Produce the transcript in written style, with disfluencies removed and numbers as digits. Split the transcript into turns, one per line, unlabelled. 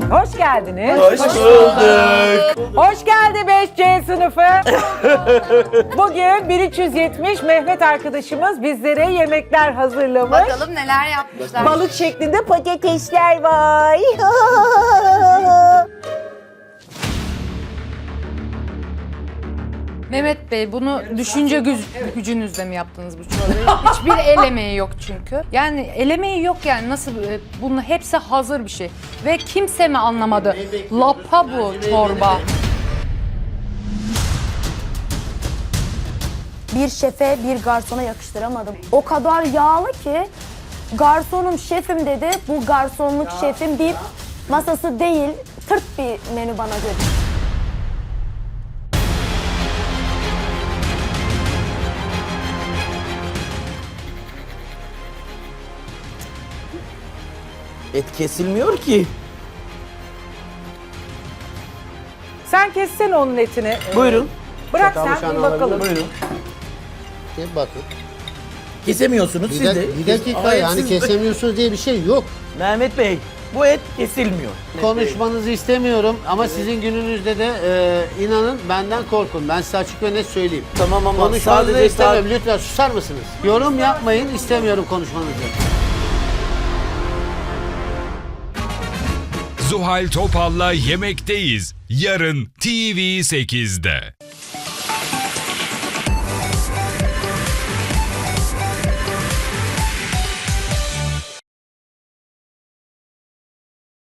Hoş geldiniz.
Hoş bulduk.
Hoş geldi 5C sınıfı. Bugün 1370 Mehmet arkadaşımız bizlere yemekler hazırlamış.
Bakalım neler yapmışlar.
Balık şeklinde patatesler var.
Mehmet Bey, bunu düşünce gücünüzle mi yaptınız bu çorbayı? Hiçbir el emeği yok çünkü. Yani el emeği yok yani nasıl bunun hepsi hazır bir şey. Ve kimse mi anlamadı? Lapa bu çorba.
Bir şefe, bir garsona yakıştıramadım. O kadar yağlı ki garsonum, şefim dedi. Bu garsonluk şefin bir masası değil, tırt bir menü bana göre.
Et kesilmiyor ki.
Sen kessene onun etini.
Buyurun.
Bırak sen bir bakalım.
Buyurun.
Bir bakın.
Kesemiyorsunuz siz de.
Bir dakika
Hayır,
yani
siz de.
kesemiyorsunuz diye bir şey yok.
Mehmet Bey, bu et kesilmiyor.
Konuşmanızı istemiyorum ama sizin gününüzde de inanın benden korkun. Ben size açık ve net söyleyeyim.
Tamam ama
Konuşmanızı
sadece
istemiyorum. Lütfen susar mısınız? Yorum yapmayın, istemiyorum konuşmanızı.
Zuhal Topal'la Yemekteyiz. Yarın TV8'de.